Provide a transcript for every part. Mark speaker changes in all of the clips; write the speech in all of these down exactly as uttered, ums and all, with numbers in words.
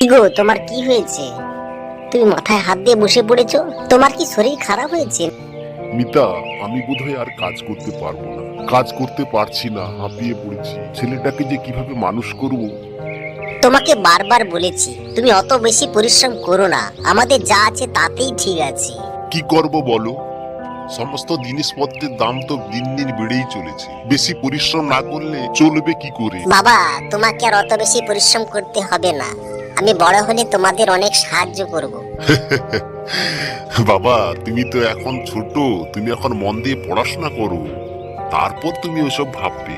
Speaker 1: গো, তোমার কি হয়েছে? তুমি মাথায় হাত দিয়ে বসে পড়েছো। তোমার কি শরীর খারাপ হয়েছে?
Speaker 2: মিতা, আমি বোধহয় আর কাজ করতে পারবো না। কাজ করতে পারছি না, হাঁপিয়ে পড়েছি। ছেলেটাকে যে কিভাবে মানুষ করব।
Speaker 1: তোমাকে বারবার বলেছি তুমি অত বেশি পরিশ্রম করো না, আমাদের যা আছে তাতেই ঠিক আছে।
Speaker 2: কি করব বলো? সমস্ত জিনিসপত্রের দাম তো দিন দিন বেড়েই চলেছে। বেশি পরিশ্রম না করলে চলবে কি করে?
Speaker 1: বাবা, তোমাকে আর অত বেশি পরিশ্রম করতে হবে না। আমি বড় হলে তোমাদের অনেক সাহায্য করব।
Speaker 2: বাবা, তুমি তো এখন ছোট। তুমি এখন মন দিয়ে পড়াশোনা করো, তারপর তুমি ওসব ভাববে।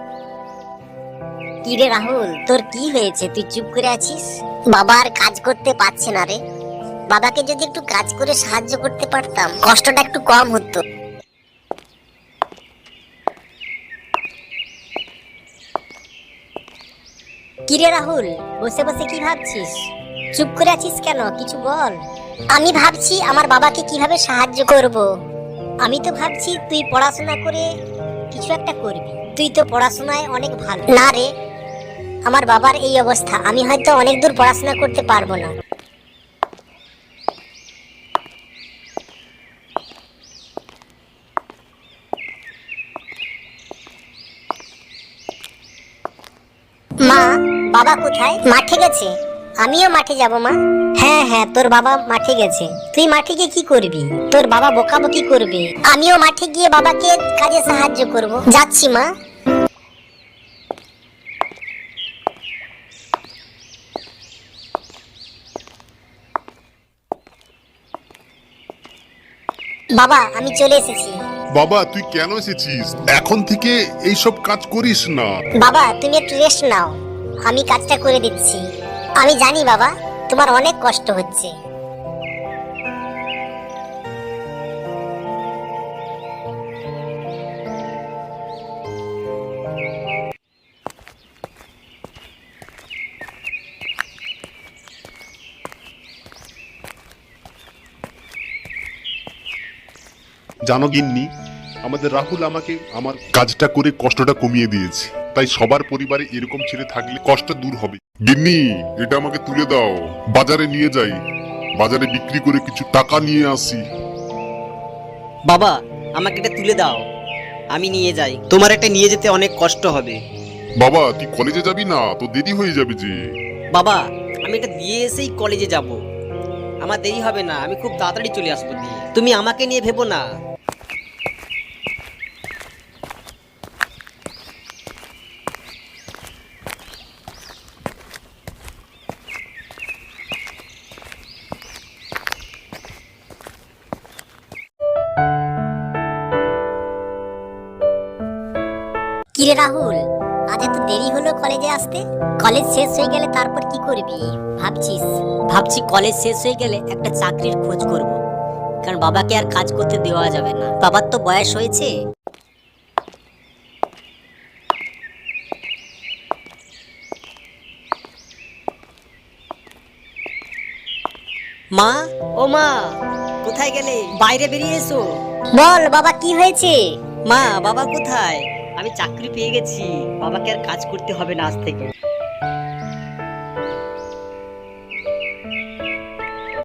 Speaker 1: কি রে রাহুল, তোর কি হয়েছে? তুই চুপ করে আছিস। বাবা আর কাজ করতে পারছে না রে। বাবাকে যদি একটু কাজ করে সাহায্য করতে পারতাম, কষ্টটা একটু কম হতো। কি রে রাহুল, বসে বসে কি ভাবছিস? চুপ করে আছিস কেন? কিছু বল। আমি ভাবছি আমার বাবাকে কিভাবে সাহায্য করব। আমি তো ভাবছি তুই পড়াশোনা করে কিছু একটা করবি। তুই তো পড়াশোনায় অনেক ভালো। না রে, আমার বাবার এই অবস্থা, আমি হয়তো অনেক দূর পড়াশোনা করতে পারবো না। মা, বাবা কোথায়? মাঠে গেছে। আমিও মাঠে যাব মা। হ্যাঁ হ্যাঁ, তোর বাবা মাঠে গেছে। তুই মাঠে গিয়ে কি করবি? তোর বাবা বকাবকি করবে। আমিও মাঠে গিয়ে বাবাকে কাজে সাহায্য করব। যাচ্ছি মা। বাবা, আমি চলে এসেছি।
Speaker 2: বাবা, তুই কেন এসেছিস? এখন থেকে এইসব কাজ করিস না।
Speaker 1: বাবা, তুমি একটু রেস্ট নাও, আমি কাজটা করে দিচ্ছি। আমি জানি বাবা, তোমার অনেক কষ্ট হচ্ছে।
Speaker 2: জানো গিন্নি, আমাদের রাহুল আমাকে আমার কাজটা করে কষ্টটা কমিয়ে দিয়েছে। তাই সবার পরিবারে এরকম ছেলে থাকলে কষ্ট দূর হবে। গিন্নি, এটা আমাকে তুলে দাও, বাজারে নিয়ে যাই। বাজারে বিক্রি করে কিছু টাকা নিয়ে আসি।
Speaker 3: বাবা, আমাকে এটা তুলে দাও, আমি নিয়ে যাই। তোমার এটা নিয়ে যেতে অনেক কষ্ট হবে।
Speaker 2: বাবা, তুই কলেজে যাবি না? তো দেরি হয়ে যাবে যে।
Speaker 3: বাবা, আমি এটা দিয়ে এসেই কলেজে যাব। আমার দেরি হবে না, আমি খুব তাড়াতাড়ি চলে আসবো দিয়ে। তুমি আমাকে নিয়ে ভেবো না।
Speaker 1: কিরে রাহুল, আজ এত দেরি হলো কলেজে আসতে? কলেজ শেষ হয়ে গেলে তারপর কি করবি ভাবছিস?
Speaker 4: ভাবছি কলেজ শেষ হয়ে গেলে একটা চাকরির খোঁজ করব, কারণ বাবাকে আর কাজ করতে দেওয়া যাবে না। বাবার তো বয়স হয়েছে। মা, ও মা, কোথায় গেলে? বাইরে বেরিয়ে এসো।
Speaker 1: বল বাবা, কি হয়েছে?
Speaker 4: মা, বাবা কোথায়? আমি চাকরি পেয়ে গেছি, বাবাকে আর কাজ করতে হবে না আজ থেকে।